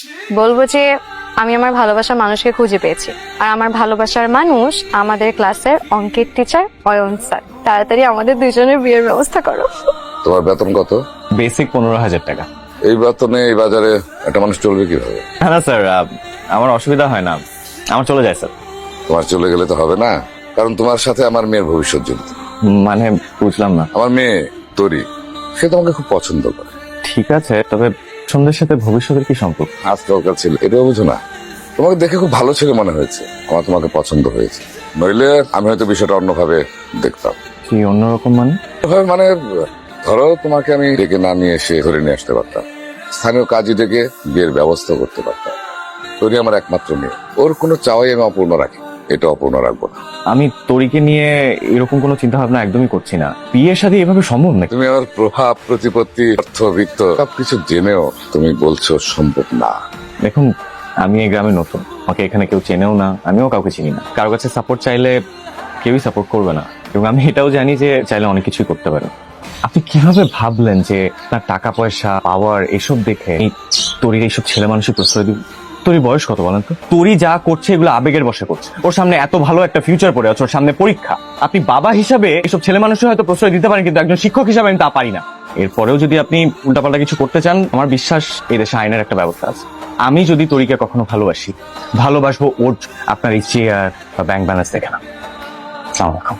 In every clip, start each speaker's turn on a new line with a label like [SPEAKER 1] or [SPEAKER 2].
[SPEAKER 1] বলবো যে আমি আমার ভালোবাসার মানুষকে খুঁজে পেয়েছি, আর আমার ভালোবাসার মানুষ আমাদের ক্লাসের অঙ্কের টিচার অয়ন স্যার। তাড়াতাড়ি আমাদের দুজনের বিয়ের ব্যবস্থা করো।
[SPEAKER 2] তোমার বেতন কত?
[SPEAKER 3] বেসিক 15,000 টাকা।
[SPEAKER 2] এই বেতনে এই বাজারে একটা মানুষ চলবে কিভাবে?
[SPEAKER 3] না স্যার, আমার অসুবিধা হয় না, আমার চলে যায় স্যার।
[SPEAKER 2] তোমার চলে গেলে তো হবে না, কারণ তোমার সাথে আমার মেয়ের ভবিষ্যৎ জড়িত।
[SPEAKER 3] মানে বুঝলাম না।
[SPEAKER 2] আমার মেয়ে তরি, সে তোমাকে খুব পছন্দ করে।
[SPEAKER 3] ঠিক আছে, তবে সন্ধ্যের সাথে ভবিষ্যতের কি সম্পর্ক?
[SPEAKER 2] আজকালকার ছেলে এটাও বুঝো না। তোমাকে দেখে খুব ভালো ছেলে মনে হয়েছে, আমার তোমাকে পছন্দ হয়েছে। নইলে আমি হয়তো বিষয়টা অন্যভাবে দেখতাম।
[SPEAKER 3] কি অন্যরকম মানে?
[SPEAKER 2] অন্যভাবে মানে ধরো তোমাকে আমি ডেকে না নিয়ে এসে ধরে নিয়ে আসতে পারতাম, স্থানীয় কাজী ডেকে বিয়ের ব্যবস্থা করতে পারতাম। তরি আমার একমাত্র মেয়ে, ওর কোনো চাওয়াই আমি অপূর্ণ রাখি, এটা অপূর্ণ রাখবো না।
[SPEAKER 3] আমি তরিকে নিয়ে এরকম কোনো চিন্তা ভাবনা একদমই করছি না। বিয়ের সাথে এভাবে সম্ভব নাকি?
[SPEAKER 2] তুমি আমার প্রভাব প্রতিপত্তি অর্থ বিত্ত সবকিছু জেনেও তুমি বলছো সম্ভব না।
[SPEAKER 3] দেখুন, আমি এই গ্রামে নতুন, আমাকে এখানে কেউ চেনেও না, আমিও কাউকে চিনি না। কারো কাছে সাপোর্ট চাইলে কেউই সাপোর্ট করবে না, এবং আমি এটাও জানি যে চাইলে অনেক কিছুই করতে পারে। আপনি কিভাবে ভাবলেন যে তার টাকা পয়সা পাওয়ার এসব দেখে এই তরির এইসব ছেলে মানুষের প্রশ্রয় দিব? তোর বয়স কত বলেন তো? তোরই যা করছে এগুলো আবেগের বশে করছে। ওর সামনে এত ভালো একটা ফিউচার পড়ে আছে, ওর সামনে পরীক্ষা। আপনি বাবা হিসাবে এসব ছেলে মানুষের হয়তো প্রশ্রয় দিতে পারেন, কিন্তু একজন শিক্ষক হিসাবে আমি তা পারি না। এরপরেও যদি আপনি উল্টাপাল্টা কিছু করতে চান, আমার বিশ্বাস এই দেশে আইনের একটা ব্যবস্থা আছে। আমি যদি তরিকে কখনো ভালোবাসবো ওর আপনার এই চেয়ার বা ব্যাংক ব্যালেন্স দেখে না। আসসালামু আলাইকুম।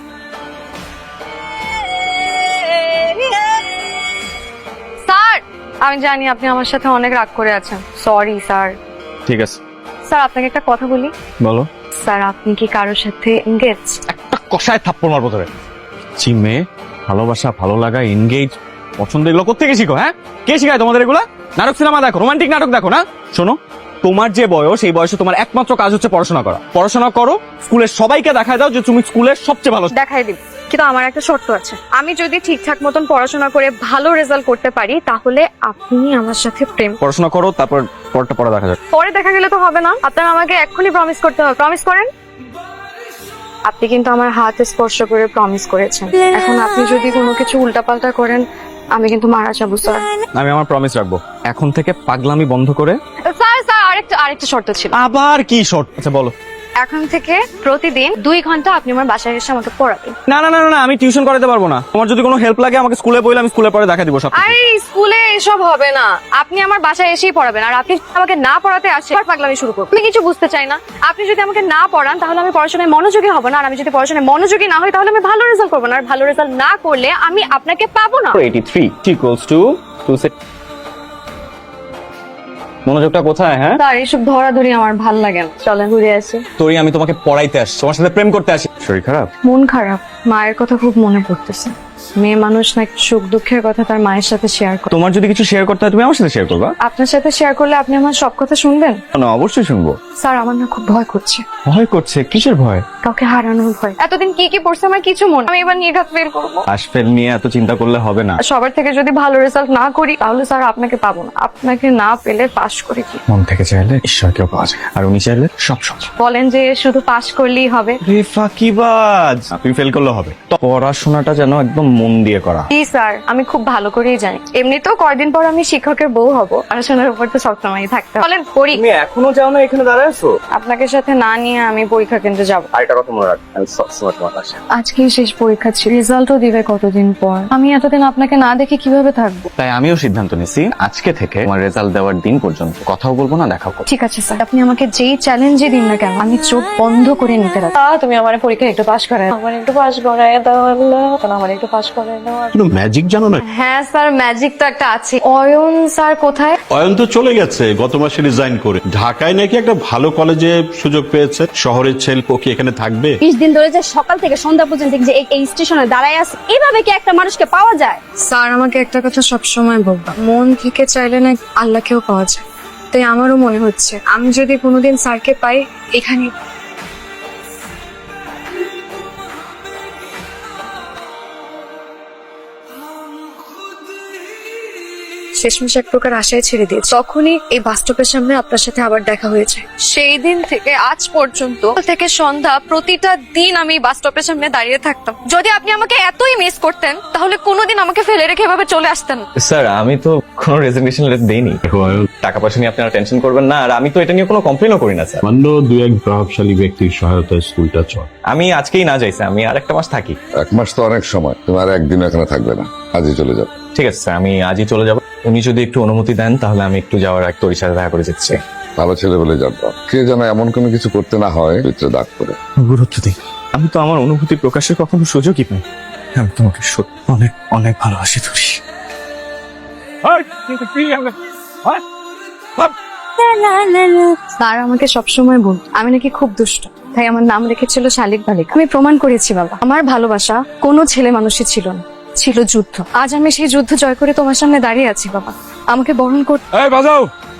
[SPEAKER 1] স্যার, আমি জানি আপনি আমার সাথে অনেক রাগ করে আছেন, সরি স্যার।
[SPEAKER 3] ঠিক আছে,
[SPEAKER 1] স্যার, আপনাকে একটা কথা বলি।
[SPEAKER 3] বলো।
[SPEAKER 1] স্যার, আপনি কি কারোর সাথে এনগেজ?
[SPEAKER 3] একটা কষায় থাপ্পড় মারবো ধরে। মেয়ে ভালোবাসা, ভালো লাগা, এনগেজ, পছন্দ, এগুলো কোথেকে শিখো? হ্যাঁ, কে শিখায় তোমাদের এগুলা? নাটক সিনেমা দেখো, রোমান্টিক নাটক দেখো না? শোনো, তোমার যে বয়স, এই বয়সে তোমার একমাত্র কাজ হচ্ছে পড়াশোনা করা। পড়াশোনা করো, স্কুলের সবাইকে দেখায় দাও যে তুমি স্কুলের সবচেয়ে ভালো।
[SPEAKER 1] দেখাই দিব, কিন্তু আমার একটা শর্ত আছে। আমি যদি ঠিকঠাক মতন পড়াশোনা করে ভালো রেজাল্ট করতে পারি, তাহলে আপনি আমার সাথে প্রেম।
[SPEAKER 3] পড়াশোনা করো, তারপর পরটা পরে দেখা যাবে।
[SPEAKER 1] পরে দেখা গেলে তো হবে না, আপনার আমাকে এক্ষুনি প্রমিস করতে হবে। প্রমিস করেন। আপনি কিন্তু আমার হাত স্পর্শ করে প্রমিস করেছেন। এখন আপনি যদি কোনো কিছু উল্টাপাল্টা করেন, আমি কিন্তু মারা যাবো স্যার।
[SPEAKER 3] আমি আমার প্রমিস রাখবো। এখন থেকে পাগলামি বন্ধ করে।
[SPEAKER 1] স্যার স্যার, আরেকটা শর্ত ছিল।
[SPEAKER 3] আবার কি শর্ট? আচ্ছা বলো।
[SPEAKER 1] এখন থেকে প্রতিদিন 2 ঘন্টা আপনি আমার বাসায় এসে আমাকে পড়াবেন।
[SPEAKER 3] না না না না, আমি টিউশন করাতে পারবো না। তোমার যদি কোনো হেল্প লাগে আমাকে স্কুলে বইলে আমি স্কুলে পরে দেখা দিব সব।
[SPEAKER 1] আরে স্কুলে এসব হবে না, আপনি আমার বাসায় এসেই পড়াবেন। আর আপনি আমাকে না পড়াতে আসে আর পাগলামি শুরু করবো। আমি কিছু বুঝতে চাই না। আপনি যদি আমাকে না পড়ান, তাহলে আমি পড়াশোনায় মনোযোগী হব না। আর আমি যদি পড়াশোনায় মনোযোগী না হই, তাহলে আমি ভালো রেজাল্ট করবো না। আর ভালো রেজাল্ট না করলে আমি আপনাকে পাবো না।
[SPEAKER 3] 83 equals to 2 মনোযোগটা কোথায়? হ্যাঁ,
[SPEAKER 1] স্যার, এইসব ধরাধরি আমার ভাল লাগে না। চলেন ঘুরে আসি।
[SPEAKER 3] তোরই আমি তোমাকে পড়াইতে আসছি, তোমার সাথে প্রেম করতে আসি। শরীর খারাপ?
[SPEAKER 1] মন খারাপ, মায়ের কথা খুব মনে পড়তেছে। মেয়ে মানুষ না, সুখ দুঃখের কথা তার মায়ের সাথে শেয়ার করে।
[SPEAKER 3] তোমার যদি কিছু শেয়ার করতে হয় তুমি আমার সাথে শেয়ার করবা।
[SPEAKER 1] আপনার সাথে শেয়ার করলে আপনি আমার সব কথা শুনবেন?
[SPEAKER 3] না, অবশ্যই শুনবো।
[SPEAKER 1] স্যার, আমার না খুব ভয় করছে।
[SPEAKER 3] ভয় করছে? কিসের ভয়?
[SPEAKER 1] কাউকে হারানোর ভয়। এতদিন কি কি পড়ছে আমার কিছু মনে, আমি এবার নির্ঘাত ফেল করবো।
[SPEAKER 3] পাশ ফেল নিয়ে এত চিন্তা করলে হবে না।
[SPEAKER 1] সবার থেকে যদি ভালো রেজাল্ট না করি, তাহলে স্যার আপনাকে পাবো না। আপনাকে না পেলে পাশ করে কি?
[SPEAKER 3] মন থেকে চাইলে ঈশ্বরকেও পাওয়া যায়, আর উনি চাইলে সব সহজ।
[SPEAKER 1] বলেন যে শুধু পাশ করলেই হবে?
[SPEAKER 3] রে ফাঁকিবাজ, তুমি ফেল করলে হবে। তো পড়াশোনাটা যেন একদম মন দিয়ে করা।
[SPEAKER 1] জি স্যার, আমি খুব ভালো করেই জানি। এমনিতেও কয়দিন পর আমি শিক্ষকের বউ হব। পড়াশোনার উপর তো সবসময় থাকতে হবে। বলেন করি।
[SPEAKER 3] তুমি এখনো যাও না, এখানে দাঁড়ায় আছো?
[SPEAKER 1] আপনাকে সাথে না নিয়ে আমি পরীক্ষা কেন্দ্রে যাবো।
[SPEAKER 3] আরেকটা কথা মনে রাখ, আমি সবসময় তোমার পাশে।
[SPEAKER 1] আজকেই শেষ পরীক্ষা ছিল, রেজাল্টও দিবে কতদিন পর। আমি এতদিন আপনাকে না দেখে কিভাবে থাকবো?
[SPEAKER 3] তাই আমিও সিদ্ধান্ত নিছি, আজকে থেকে আমার রেজাল্ট দেওয়ার দিন পর্যন্ত কথাও বলবো না, দেখাও করবো।
[SPEAKER 1] ঠিক আছে স্যার, আপনি আমাকে যেই চ্যালেঞ্জে দিন না কেন, আমি চোখ বন্ধ করে নিতে রাখি। তুমি আমার পরীক্ষা একটু পাশ করায়, আমার একটু পাশ করায় দাও আল্লাহ, আমার একটু পাশ করায় দাও।
[SPEAKER 4] কোনো ম্যাজিক জানো না?
[SPEAKER 1] হ্যাঁ স্যার, ম্যাজিক তো একটা আছে। অয়ন স্যার কোথায়?
[SPEAKER 4] অয়ন তো চলে গেছে গত মাসে রিজাইন করে। ঢাকায় নাকি একটা ভালো কলেজে সুযোগ পেয়েছে। শহরের ছেলে ও কি এখানে থাকবে?
[SPEAKER 5] 20 দিন ধরে যে সকাল থেকে সন্ধ্যা পর্যন্ত যে এই স্টেশনে দাঁড়ায় আছে, এভাবে কি একটা মানুষকে পাওয়া যায়?
[SPEAKER 1] স্যার, আমাকে একটা কথা সবসময় বলবা, মন থেকে চাইলে না আল্লাহকেও পাওয়া যায়। তাই আমারও মনে হচ্ছে আমি যদি কোনোদিন স্যারকে পাই, এখানে শেষমেশ এক প্রকার আশায় ছেড়ে দিয়েছি। তখনই এই বাস স্টপের সামনে আপনার সাথে আবার দেখা হয়েছে। সেই দিন থেকে আজ পর্যন্ত থেকে সন্ধ্যা প্রতিটা দিন আমি এই বাস স্টপের সামনে দাঁড়িয়ে থাকতাম। যদি আপনি আমাকে এতই মিস করতেন তাহলে কোনোদিন আমাকে ফেলে রেখে এভাবে চলে আসতেন না।
[SPEAKER 3] স্যার আমি তো কোনো রেজিগনেশন লেটার দেইনি। টাকা পয়সা নিয়ে আপনারা টেনশন করবেন না, আর আমি তো এটা নিয়ে কোনো কমপ্লেনও করি না স্যার।
[SPEAKER 4] সামান্য দুই এক প্রভাবশালী ব্যক্তির সহায়তায় স্কুলটা চল।
[SPEAKER 3] আমি আজকেই না যাই স্যার, আমি আর একটা মাস থাকি।
[SPEAKER 2] 1 মাস তো অনেক সময়, তুমি আর একদিন এখানে থাকবে না, আজই চলে যাবে।
[SPEAKER 3] ঠিক আছে স্যার, আমি আজই চলে যাব। উনি যদি একটু অনুমতি দেন তাহলে আমি একটু যাওয়ার এক তোর সাথে দেখা করে যাচ্ছি।
[SPEAKER 2] ভালো ছেলে বলে জানতাম, কে যেন এমন কোনো কিছু করতে না হয় ভিতরে দাগ করে।
[SPEAKER 3] গুরুত্ব দিই, আমি তো আমার অনুভূতি প্রকাশের কখনো সুযোগই পাই। আমি তোমাকে সত্যি অনেক অনেক ভালোবাসি ধরি।
[SPEAKER 1] স্যার আমাকে সবসময় বল আমি নাকি খুব দুষ্ট, তাই আমার নাম রেখেছিল শালিক বালিক। আমি প্রমাণ করেছি বাবা, আমার ভালোবাসা কোনো ছেলে মানুষই ছিল না, ছিল যুদ্ধ। আজ আমি সেই যুদ্ধ জয় করে তোমার সামনে দাঁড়িয়ে আছি বাবা, আমাকে বরণ করতে।
[SPEAKER 6] এই বাজাও